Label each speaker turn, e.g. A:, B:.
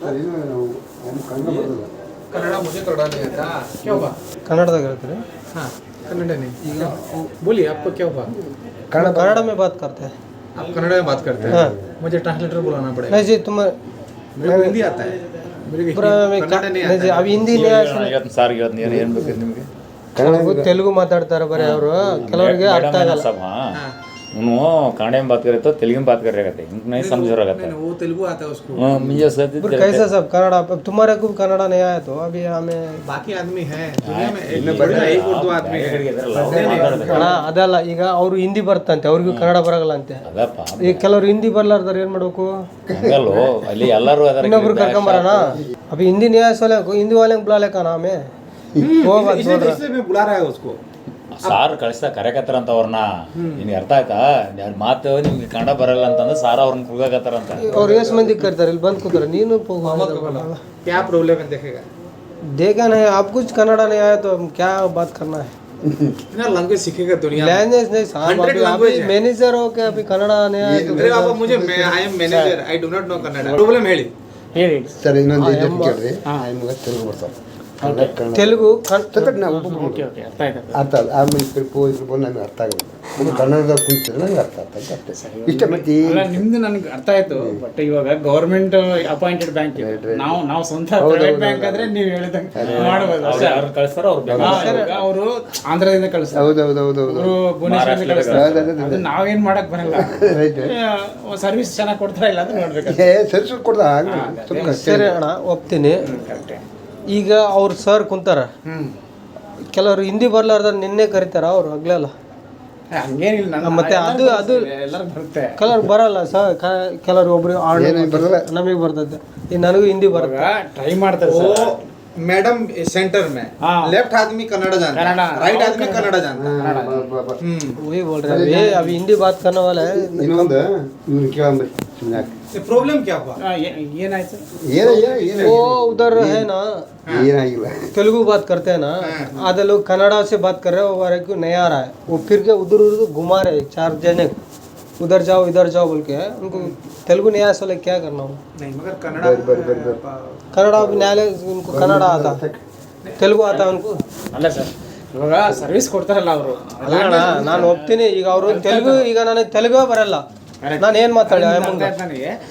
A: कन्नड़ा मुझे कन्नड़ा नहीं आता, क्या हुआ?
B: ಕನ್ನಡದಾಗ ಹೇಳ್ತೀರಿ
A: हाँ कन्नड़ा नहीं, ಈಗ बोलिए आपको क्या हुआ?
B: कन्नड़ में बात करते हैं
A: आप कन्नड़ा में बात करते हैं?
B: हाँ।
A: मुझे ट्रांसलेटर बुलाना पड़ेगा।
B: नहीं जी तुम
A: मेरे को हिंदी आता है, मेरे को कन्नड़ा नहीं
B: नहीं जी
A: आता
B: ಅವು ಹಿಂದಿ
C: ಸಾರಿಗೆ ಏನು ಬೇಕು ನಿಮಗೆ
B: ತೆಲುಗು ಮಾತಾಡ್ತಾರೆ ಬರೀ ಅವರು ಕೆಲವರಿಗೆ ಅರ್ಥ ಆಗಲ್ಲ
C: सब हाँ उन्होंने कन्नड़ में बात करे तो तेलुगु में बात कर रहे थे इनको नहीं समझ रहा था
A: वो तेलुगु आता है उसको।
C: मुझे सच
B: फिर कैसा सब कन्नड़ा अब तुम्हारे को कन्नड़ा नहीं आया तो अभी हमें
A: बाकी आदमी है दुनिया में एक उर्दू आदमी है।
B: ಅಣ್ಣ ಅದಲ್ಲ ಈಗ ಅವರು ಹಿಂದಿ ಬರ್ತಂತೆ ಅವ್ರಿಗೂ ಕನ್ನಡ ಬರಲ್ಲ ಅಂತೆ
C: ಅದಪ್ಪ
B: ಈಗ ಕೆಲವರು ಹಿಂದಿ ಬರ್ಲಾರ್ದಾರ ಏನ್ ಮಾಡ್ಬೇಕು
C: ಹಂಗಲ್ಲೋ ಅಲ್ಲಿ ಎಲ್ಲರೂ ಅದರ
B: ಇನ್ನೊಬ್ರು ಕರ್ಕೊಂಬರೋಣ अभी हिंदी नहीं आया सोले हिंदी वाले को बुला ले का नाम है वो बात बोल रहा
A: इसलिए मैं बुला रहा है उसको।
C: ಸಾರ್ ಕಳಿಸ್ತಾ ಕರೆಕತ್ತಾರ ಅಂತ ಅವ್ರನ್ನ ನಿನ್ಗೆ ಅರ್ಥ ಆಯ್ತಾ ಯಾರು ಮಾತು ನಿಮ್ಗೆ ಕನ್ನಡ ಬರಲ್ಲ ಅಂತಂದ್ರೆ ಸಾರ್ ಅವ್ರನ್ನ ಕುಗಾಕತ್ತಾರ ಅಂತ
B: और यस मंदी करते रहे बंद ಕೂತಾರೆ ನೀನು
A: क्या प्रॉब्लम है देखेगा
B: देखा नहीं आप कुछ कन्नड़ा नहीं आया तो हम क्या बात करना है
A: ना लैंग्वेज सीखेगा दुनिया में।
B: लैंग्वेज नहीं साहब
A: 100
B: अभी
A: language है।
B: मैनेजर हो के अभी कन्नड़ा नहीं आया तो
A: अरे बाबा मुझे I am manager I do not know Kannada problem ಹೇಳಿ
D: ಸರ್ ಇನ್ನೊಂದು ಇದು ಕೇಳ್ರಿ ನಿಮ್ಗೆ ತೆಲುಗು ಬರ್ತಾವೆ
B: ತೆಲುಗು
D: ನಾವು ಅರ್ಥ ಆಮೇಲೆ ಇದ್ರ ಬಂದು ನಮಗೆ ಅರ್ಥ ಆಗುತ್ತೆ ಕನ್ನಡದಾಗ ಕುಂತಿದ್ರೆ ನಂಗೆ ಅರ್ಥ ಆಗ್ತದೆ ಅಷ್ಟೇ ಇಷ್ಟ ಮತ್ತೆ
E: ಅಲ್ಲ ನಿಮ್ದು ನನಗೆ ಅರ್ಥ ಆಯ್ತು ಬಟ್ ಇವಾಗ ಗವರ್ಮೆಂಟ್ ಅಪಾಯಿಂಟೆಡ್ ಬ್ಯಾಂಕ್ ನಾವು ಸ್ವಂತ ಪ್ರೈವೇಟ್ ಬ್ಯಾಂಕ್ ಆದ್ರೆ ನೀವು ಹೇಳಿದಂಗೆ ಮಾಡಬಹುದು
C: ಅವ್ರು ಕಳಿಸ್ತಾರ ಅವ್ರು
E: ಅವರು ಆಂಧ್ರದಿಂದ ಕಳಿಸ್ತಾರೆ
D: ಹೌದೌದೌದು
E: ಅವರು ಭುವನೇಶ್ವರದಿಂದ ಕಳಿಸ್ತಾರೆ ಅದು ನಾವೇನ್ ಮಾಡಕ್ ಬರಲ್ಲ ಸರ್ವಿಸ್ ಚೆನ್ನಾಗಿ ಕೊಡ್ತಾರ ಇಲ್ಲ ಅಂತ ನೋಡ್ಬೇಕು
D: ಸರಿ ಕೊಡ್ದ
B: ಸರಿ ಅಣ್ಣ ಒಪ್ತೀನಿ ಈಗ ಅವ್ರು ಸರ್ ಕುಂತಾರ ಕೆಲವರು ಹಿಂದಿ ಬರ್ಲಾರ್ದಾರ ನಿನ್ನೆ ಕರೀತಾರ ಅವ್ರು ಆಗ್ಲಲ್ಲ
E: ಹಂಗೇನಿಲ್ಲ
B: ಮತ್ತೆ ಅದು
E: ಎಲ್ಲರೂ ಬರುತ್ತೆ
B: ಕೆಲವ್ರು ಬರಲ್ಲ ಸರ್ ಕೆಲವ್ರು ಒಬ್ರು
D: ಬರಲ್ಲ
B: ನಮಗೆ ಬರ್ತದೆ ಈಗ ನನಗೂ ಹಿಂದಿ ಬರುತ್ತೆ
E: ಟ್ರೈ ಮಾಡ್ತಾರೆ
A: वो मैडम सेंटर में
E: हाँ।
A: लेफ्ट आदमी कन्नड़ा जानता है,
E: कन्नड़ा,
A: राइट आदमी कन्नड़ा जानता है।
B: वही बोल रहे हैं ये अभी हिंदी बात करने वाला है
D: ಇನ್ನೊಂದು ಇವ್ರು ಕೇಳಂಬ್ರಿ ಸುಮ್ಮನೆ
A: ये प्रॉब्लम क्या हुआ?
E: ಏನಾಯ್ತು
B: वो उधर है ना
D: ಏನಾಗಿಲ್ಲ
B: तेलुगु बात करते हैं ना आधे लोग कन्नड़ा से बात कर रहे हैं वो हमारे को नहीं आ रहा है वो फिर के उधर उधर घुमा रहे हैं 4 जने उधर जाओ इधर जाओ बोल के उनको तेलुगु नहीं आया सोले क्या करना हो
A: नहीं मगर कन्नड़ा
B: कन्नड़ा अभी न्यायालय उनको कन्नड़ा आता तेलुगु आता है उनको
E: ಅಲ್ಲ ಸರ್ ಇವಾಗ ಸರ್ವಿಸ್ ಕೊಡ್ತಾರಲ್ಲ ಅವರು
B: ಅಲ್ಲಣ್ಣ ನಾನು ಒಪ್ತೀನಿ ಈಗ ಅವರು ತೆಲುಗು ಈಗ ನನಗೆ ತೆಲುಗು ಬರಲ್ಲ ನಾನು ಏನು ಮಾತಾಡಿ
E: ನನಗೆ